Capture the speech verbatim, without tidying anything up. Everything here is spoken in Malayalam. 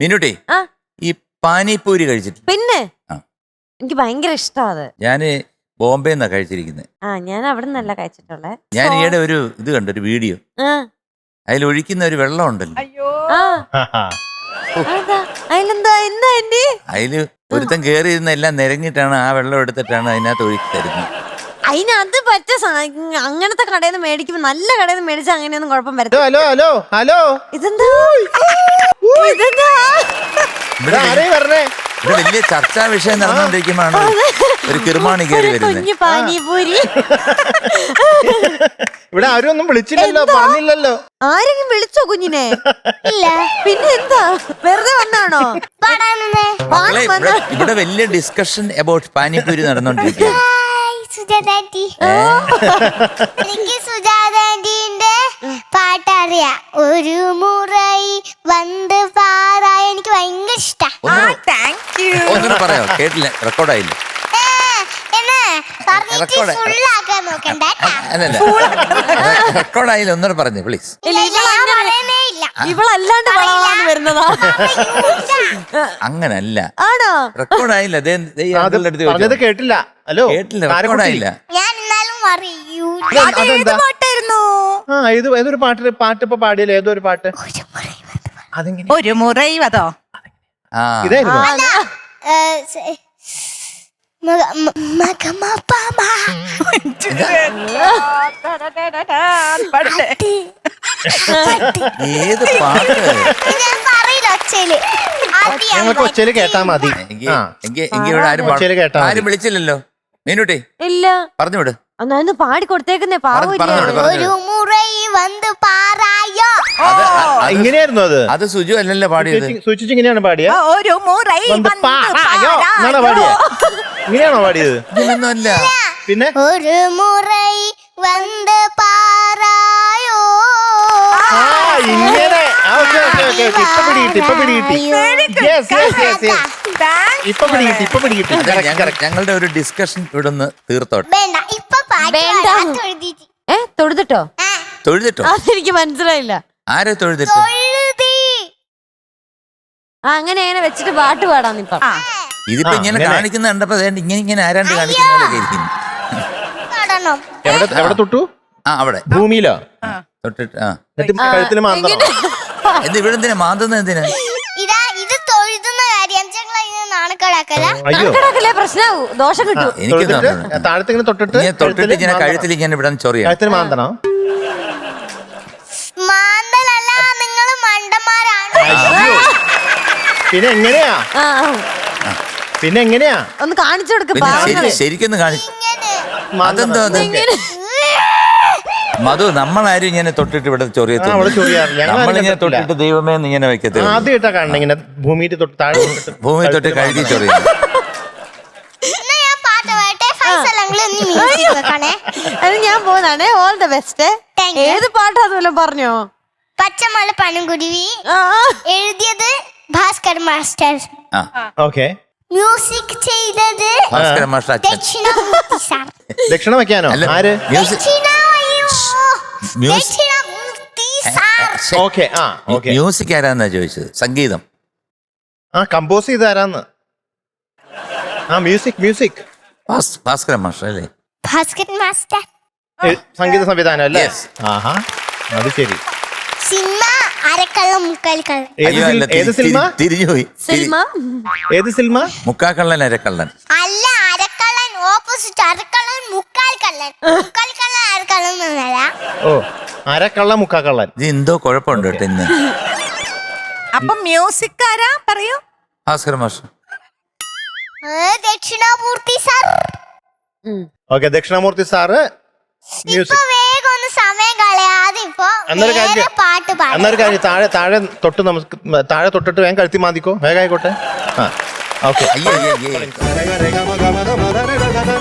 മീനുട്ടി ഈ പാനിപൂരി കഴിച്ചിട്ട്? പിന്നെ എനിക്ക് ഭയങ്കര ഇഷ്ടമാണ്. ഞാന് ബോംബെ നിന്നാ കഴിച്ചിരിക്കുന്നത്. ആ ഞാൻ അവിടെ നിന്നല്ല കഴിച്ചിട്ടുള്ളേ. ഞാൻ ഈയിടെ ഒരു ഇത് കണ്ടു, ഒരു വീഡിയോ. അതിൽ ഒഴിക്കുന്ന ഒരു വെള്ളം ഉണ്ടല്ലോ, അതിലെന്താ എന്താ എന്റെ അതില് ഒരുത്തൻ കേറി ഇരുന്ന എല്ലാം നിരങ്ങിട്ടാണ് ആ വെള്ളം എടുത്തിട്ടാണ് അതിനകത്ത് ഒഴുക്കി തരുന്നത്. അതിനത് പറ്റ അങ്ങനത്തെ കടയിൽ നിന്ന് മേടിക്കുമ്പോ നല്ല കടയിൽ നിന്ന് മേടിച്ചാൽ അങ്ങനെയൊന്നും കുഴപ്പം വരത്തില്ല. ഹലോ ഹലോ ഹലോ ഇതെന്താ ഇതെന്താ ഇവിടെ വലിയ ചർച്ചാ വിഷയം നടന്നുകൊണ്ടിരിക്കുമ്പോഴാണ് ഒരു കിർമാണി കയറി വരുന്നത്. കുഞ്ഞു പാനിപൂരി ഇവിടെ ആരും ഒന്നും വിളിച്ചില്ലല്ലോ, പറഞ്ഞില്ലല്ലോ. ആരെങ്കിലും വിളിച്ചോ കുഞ്ഞിനെ? ഇല്ല. പിന്നെ എന്താ വെറുതെ വന്നാണോ? ഇവിടെ വലിയ ഡിസ്കഷൻ അബൌട്ട് പാനിപൂരി നടന്നുകൊണ്ടിരിക്കുക. എനിക്ക് സുജാതാന്റിന്റെ പാട്ടറിയാം. ഒരു മുറൈ വന്ന് പാറായ എനിക്ക് ഭയങ്കര ഇഷ്ടം. ഒന്നും പറയാ, കേട്ടില്ല, റെക്കോർഡായില്ല. റെക്കോർഡായില്ല, ഒന്നും പറഞ്ഞു പ്ലീസ്. ഇവളല്ലാണ്ട് വരുന്നതാ. അങ്ങനല്ല, ആണോ? റെക്കോർഡായില്ല. പറഞ്ഞത് കേട്ടില്ല. ഹലോ കേട്ടില്ല, റെക്കോർഡായില്ല. ഏതൊരു പാട്ട് പാട്ട് ഇപ്പൊ പാടിയല്ലോ, ഏതോ ഒരു പാട്ട്. ഒരു മുറൈ അതോ ഇതായിരുന്നു. ഏത് പാട്ട്? ഞങ്ങൾക്ക് ഒച്ചയില് കേട്ടാ മതി. ആരും വിളിച്ചില്ലല്ലോ മീനുട്ടി. ഇല്ല, പറഞ്ഞു വിട്. ഒന്ന് പാടി കൊടുത്തേക്കുന്നേ. ഇങ്ങനെയായിരുന്നു അത്. അത് സുജു അല്ലല്ലോ പാടിയത്. സൂചിച്ച് ഇങ്ങനെയാണ് പാടിയ. ഒരു മുറൈ എന്നാണോ പാടിയ? ഇങ്ങനെയാണോ പാടിയത്? ഇങ്ങനൊന്നും അല്ല. പിന്നെ ഒരു മുറൈ വന്ന് പാറായോ. ഇങ്ങനെ ഇപ്പൊ പിടികിട്ടി, ഇപ്പൊ പിടികിട്ടി. ഇപ്പൊ പിടികിട്ടി, ഇപ്പൊ പിടികിട്ടി. ഞങ്ങളുടെ ഒരു ഡിസ്കഷൻ ഇവിടുന്ന് തീർത്തോട്ടെ. ഏ തൊഴുതിട്ടോ? തൊഴുതിട്ടോ? അതെനിക്ക് മനസ്സിലായില്ല. ആരെ തൊഴുതിട്ടോ? ആ അങ്ങനെ അങ്ങനെ വെച്ചിട്ട് പാട്ട് പാടാന്ന് ഇപ്പൊ. ഇതിപ്പോ ഇങ്ങനെ കാണിക്കുന്ന കണ്ടപ്പോ ഇങ്ങനെ ഇങ്ങനെ ആരാണ്ട് കാണിക്കുന്ന പോലെ ഇരിക്കുന്നു. എവിടെ തൊട്ടു? ആ അവിടെ ഭൂമിയിലോ തൊട്ടിട്ട്. ആ കഴുത്തിന് മാന്തണം. എന്ത് ഇവിടെ എന്തിനാ മാന്തുന്നത്? എന്തിനാ ഇത് തൊഴുതുന്ന കാര്യം പ്രശ്നാവൂ, ദോഷം കിട്ടും. എനിക്ക് താഴത്തിങ്ങനെ തൊട്ടിട്ട് തൊട്ടിട്ട് ഇങ്ങനെ കഴുത്തിൽ ഇങ്ങനെ ഇവിടെ ചൊറിയാ. കഴുത്തിന് മാന്തണോ? മാന്തലല്ല, നിങ്ങൾ മണ്ടന്മാരാണ്. പിന്നെ എങ്ങനെയാ? പിന്നെ എങ്ങനെയാ ഒന്ന് കാണിച്ചു കൊടുക്ക. ശരിക്കൊന്ന് കാണിച്ചു. അതെന്തോ മധു, നമ്മളാരും ഇങ്ങനെ തൊട്ടിട്ട് ഇവിടെ ചൊറിയത്തില്ല. നമ്മളിങ്ങനെ തൊട്ടിട്ട് ദൈവമേ ഇങ്ങനെ വെക്കത്തില്ല. ആദ്യമായിട്ടാ കാണണം ഇങ്ങനെ ഭൂമിയിൽ തൊട്ട് താഴെ ഭൂമി തൊട്ട് കഴുകി ചൊറിയ. അത് ഞാൻ പോകുന്നതാണേ. All the best. ഏത് പാട്ടാ അതുപോലെ പറഞ്ഞോ? പച്ചമല പനംകുരുവി. എഴുതിയത് ഭാസ്കർ മാസ്റ്റർ. ഓക്കെ. മ്യൂസിക് ചെയ്തത് ഭാസ്കർ മാസ്റ്റർ. ദക്ഷിണാമൂർത്തി സാർ. ദക്ഷിണ വെക്കാനോ? ആര്? മ്യൂസിക് ആരാന്നാ ചോദിച്ചത്? സംഗീതം ആ കമ്പോസ് ചെയ്ത് ആരാന്ന്? ആ മ്യൂസിക് മ്യൂസിക് ഭാസ്കർ മാസ്റ്റർ അല്ലേ? ഭാസ്കർ മാസ്റ്റർ സംഗീത സംവിധാനം അല്ലേ? ആഹാ, അത് ശരി. സിനിമ അരക്കള്ളം മുക്കാൽക്കള്ളൻ. ഏത് സിനിമ? തിരിഞ്ഞുപോയി. ഏത് സിനിമ? മുക്കാക്കള്ളൻ അരക്കള്ളൻ അല്ല, അരക്കള്ളൻ ഓപ്പോസിറ്റ്. അരക്കള്ളൻ മുക്കാൽക്കള്ളൻ. മുക്കാൽക്കള്ളൻ അരക്കള്ളൻ എന്നല്ല. ഓ, അരക്കള്ള മുക്കാക്കള്ളൻ. ഇത് എന്തോ കുഴപ്പമുണ്ട് കേട്ടോ ഇന്ന്. അപ്പൊ മ്യൂസിക് ആരാ പറയൂ? Bhaskar master. Dakshinamoorthy sir. Okay, Dakshinamoorthy sir music. വേഗം ഒന്ന് സമയം കളയാതെ ഇപ്പൊ പാട്ട് പാടും. എന്നൊരു കാര്യം, താഴെ താഴെ തൊട്ട് നമുക്ക് താഴെ തൊട്ടിട്ട് വേഗം കഴുത്തി മാന്തിക്കോ, വേഗം ആയിക്കോട്ടെ. ആ ഓക്കെ.